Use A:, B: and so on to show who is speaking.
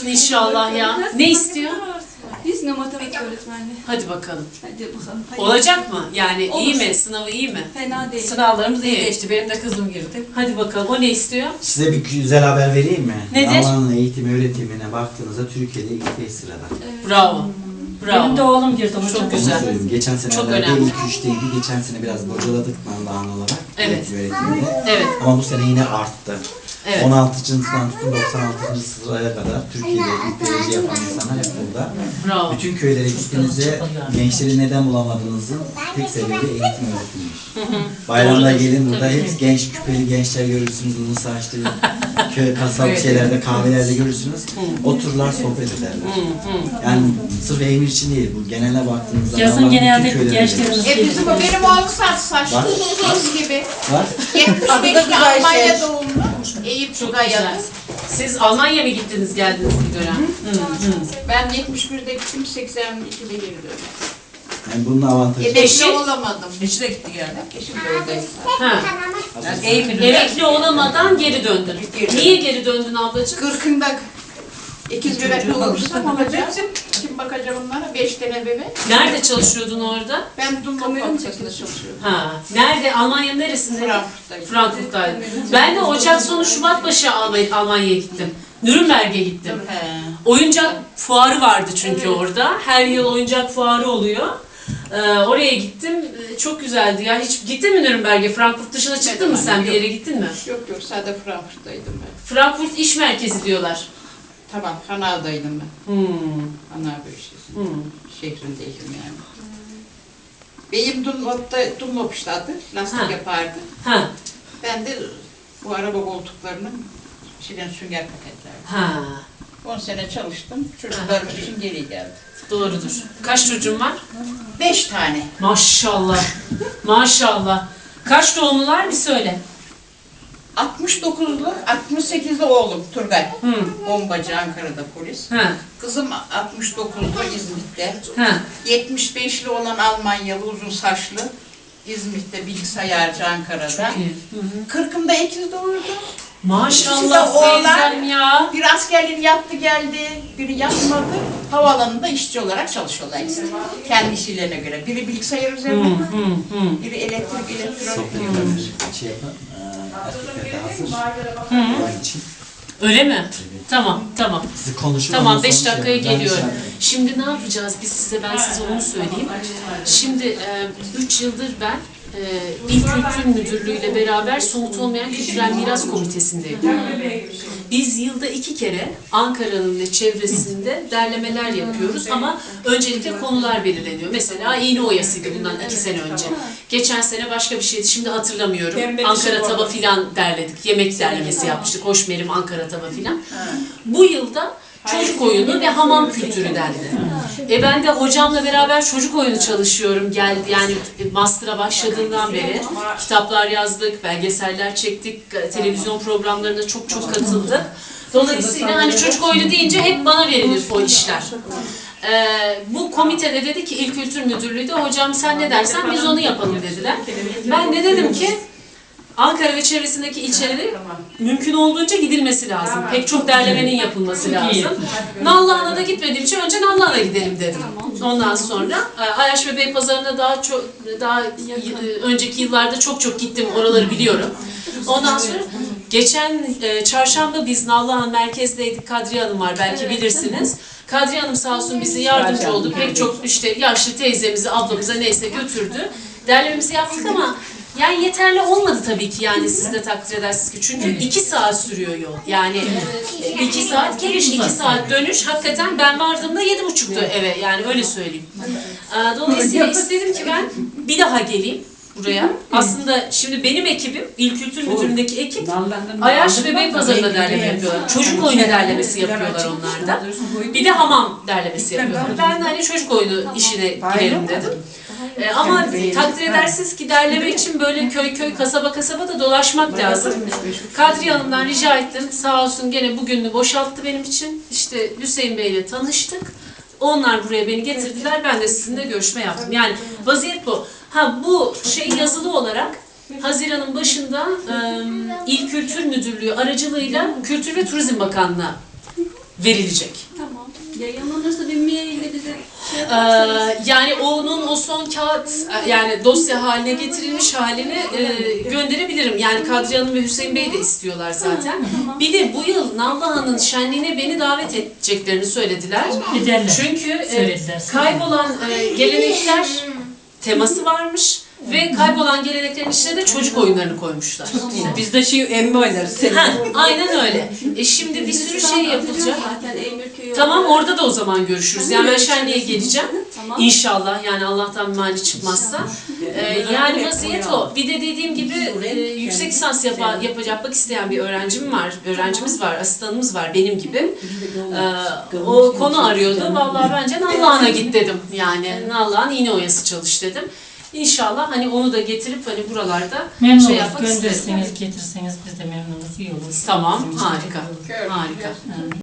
A: olsun inşallah ya. Ne istiyor?
B: Biz matematik öğretmenliği.
A: Hadi bakalım.
B: Hadi bakalım. Hadi.
A: Olacak mı? Yani
B: Olur.
A: iyi mi? Sınavı iyi mi?
B: Fena değil.
C: Sınavlarımız iyi
A: İyi.
C: geçti. Benim de kızım girdi.
A: Hadi bakalım. O ne istiyor?
D: Size bir güzel haber vereyim mi?
A: Nedir?
D: Alman eğitim öğretimine baktığınızda Türkiye'de ilk 5 sırada.
A: Bravo.
C: Benim de
A: Bravo.
C: oğlum girdi hocam.
A: Çok
D: Onu
A: güzel.
D: söyleyeyim. Geçen
A: Çok
D: senelerde
A: önemli.
D: ilk 3'teydi. Geçen sene biraz bocaladık Nallıhan olarak.
A: Evet.
D: Eğitim öğretiminde.
A: Evet.
D: Ama bu sene yine arttı.
A: Evet.
D: 16. sınıftan tutun 96. sıraya kadar Türkiye'de ilk derece yapan insanlar hep burada.
A: Bravo.
D: Bütün köylere gittiğinizde gençleri neden bulamadığınızın tek sebebi eğitim öğretimiymiş. Bayramda gelin burada hep genç küpeli gençler görürsünüz, uzun saçlı köy kasap şeylerde kahvelerde görürsünüz. Otururlar sohbet ederler. Yani sırf Eymir için değil bu genele baktığınızda
C: Yazın
D: Allah'ın
C: genelde
D: bütün köylerinde
C: gençlerimiz
E: Bizim o benim oğlum saçlı.
D: Var.
E: Kız gibi.
D: var.
E: 75'li Almanya doğumlu. Eyüp
A: Çok
E: Tugay'a.
A: güzel. Siz Almanya mı gittiniz geldiniz bir dönem?
E: Ben 71'de gittim, 82'de geri döndüm.
D: Yani bunun avantajı.
E: Emekli
A: Eşi?
E: olamadım.
C: Eşi de gitti geldi.
E: Eşim de oradaydı.
A: Ha.
C: Yani Eğitim'de.
A: Emekli olamadan geri döndün. Niye geri döndün ablacığım?
E: 40'ında ikiz bebekli olursam olacak. Kim bakacak onlara? 5 tane bebek.
A: Nerede çalışıyordun orada?
E: Ben Dunlop fabrikasında çalışıyorum.
A: Ha. Nerede? Almanya'nın neresinde?
E: Frankfurt'tayım.
A: Frankfurt'taydım. Ben de Ocak sonu Şubat başı Almanya'ya gittim. Nürnberg'e gittim.
E: He.
A: Oyuncak fuarı vardı çünkü orada. Her yıl oyuncak fuarı oluyor. Oraya gittim. Çok güzeldi ya. Hiç gittin mi Nürnberg'e? Frankfurt dışına çıktın mı sen? Bir yere gittin mi?
E: Yok sadece Frankfurt'taydım ben.
A: Frankfurt iş merkezi diyorlar.
E: Tamam, Hanau'daydım ben. Hanau bölgesi. Şehrindeydim yani. Benim Dunlop işte adı. Lastik
A: Ha.
E: yapardı.
A: Ha.
E: Ben de bu araba koltuklarının içinden sünger paketlerdi.
A: Ha.
E: 10 sene çalıştım. Çocuklarım için geri geldim.
A: Doğrudur. Kaç çocuğun var?
E: 5 tane.
A: Maşallah. Maşallah. Kaç doğumlular bir söyle.
E: 69'lu, 68'li oğlum Turgay.
A: Hı.
E: Bombacı Ankara'da polis.
A: Ha.
E: Kızım 69'lu İzmit'te.
A: Ha.
E: 75'li olan Almanyalı uzun saçlı. İzmit'te bilgisayarcı Ankara'da.
A: İyi.
E: 40'ımda ikiz doğurdu.
A: Maşallah
E: İkisi de oğlan.
A: teyzem ya.
E: Bir askerliğini yaptı geldi, biri yapmadı. Havaalanında işçi olarak çalışıyorlar ikisi. Kendi işlerine göre. Biri bilgisayar üzerinde, biri elektrik, elektronik.
D: Sohbet şey yapan erkekler de hazır. Onun için.
A: Öyle mi? Tamam, tamam.
D: Sizi konuşun.
A: Tamam,
D: ondan
A: 5
D: sonra şey
A: dakikaya
D: yapın. Ben
A: geliyorum.
D: şey-
A: Şimdi ne yapacağız biz size, ben size onu söyleyeyim. Şimdi 3 yıldır ben İl Kültür Müdürlüğü ile beraber Somut Olmayan Kültürel Miras Komitesi'ndeyim. Biz yılda 2 kere Ankara'nın ve çevresinde derlemeler yapıyoruz ama öncelikle konular belirleniyor. Mesela iğne oyasıydı bundan 2 sene önce. Geçen sene başka bir şeydi, şimdi hatırlamıyorum. Ankara tava filan derledik, yemek derlemesi yapmıştık. Hoşmerim, Ankara tava filan. Bu yılda çocuk oyunu ve hamam kültürü dendi. Ben de hocamla beraber çocuk oyunu çalışıyorum. Geldi yani master'a başladığından beri kitaplar yazdık, belgeseller çektik, televizyon programlarına çok katıldık. Dolayısıyla hani çocuk oyunu deyince hep bana verilir o işler. Bu komitede dedi ki İl Kültür Müdürlüğü de hocam sen ne dersen biz onu yapalım dediler. Ben de dedim ki Ankara ve çevresindeki ilçelere mümkün olduğunca gidilmesi lazım. Pek çok derlemenin yapılması lazım. Nallıhan'a da gitmediğim için önce Nallıhan'a gidelim dedim. Ondan sonra Ayaş ve Beypazarı'na daha önceki yıllarda çok gittim. Oraları biliyorum. Ondan sonra geçen çarşamba biz Nallıhan merkezdeydik. Kadriye Hanım var, belki bilirsiniz. Kadriye Hanım sağ olsun bize yardımcı oldu. Pek çok işte yaşlı teyzemizi, ablamıza neyse götürdü. Derlememizi yaptık ama yani yeterli olmadı tabii ki, yani siz de takdir edersiniz ki. Çünkü 2 saat sürüyor yol. Yani 2 saat geliş, 2 saat dönüş. Hakikaten ben vardığımda 7.30'du eve, yani öyle söyleyeyim. Dolayısıyla istedim ki ben bir daha geleyim buraya. Aslında şimdi benim ekibim, İl Kültür Müdürlüğü'ndeki ekip Ayaş ve Beypazarı'nda derleme yapıyorlar. Çocuk oyunu derlemesi yapıyorlar onlar da. Bir de hamam derlemesi yapıyorlar. Ben de hani çocuk oyunu işine girelim dedim. Ama takdir edersiniz ki derleme için böyle köy kasaba da dolaşmak lazım. Kadriye Hanım'dan rica ettim. Sağ olsun gene bugününü boşalttı benim için. İşte Hüseyin Bey ile tanıştık. Onlar buraya beni getirdiler. Ben de sizinle görüşme yaptım. Yani vaziyet bu. Bu şey yazılı olarak Haziran'ın başında İl Kültür Müdürlüğü aracılığıyla Kültür ve Turizm Bakanlığı'na verilecek.
B: Tamam. Yayınlanırsa bir mail ile bize şey yaparsanız.
A: Yani onun o son kağıt yani dosya haline getirilmiş halini gönderebilirim. Yani Kadriye Hanım ve Hüseyin Bey de istiyorlar zaten.
B: Tamam.
A: Bir de bu yıl Nallıhan'ın şenliğine beni davet edeceklerini söylediler.
C: Ederler.
A: Çünkü
C: Söylediler.
A: kaybolan gelenekler teması varmış ve kaybolan geleneklerin içine de çocuk oyunlarını koymuşlar.
C: Biz de emmi oynarız.
A: Ha, aynen öyle. Şimdi bir sürü şey yapılacak.
B: Zaten Eymürköy'ü
A: Tamam, orada da o zaman görüşürüz. Yani ben şenliğe geleceğim.
B: Tamam.
A: İnşallah, yani Allah'tan bir mani çıkmazsa. Yani vaziyet o. Bir de dediğim gibi yüksek lisans yapmak isteyen bir öğrencimiz var, asistanımız var benim gibi. O konu arıyordu. Vallahi bence Nallıhan'a git dedim. Yani Nallıhan iğne oyası çalış dedim. İnşallah hani onu da getirip hani buralarda
C: Memnunuz.
A: şey yapmak isterim.
C: Gönderirseniz, getirseniz biz de memnunuz. İyi olur.
A: Tamam,
C: Bizim için
A: harika.
C: de iyi olur.
A: Harika.
C: Evet.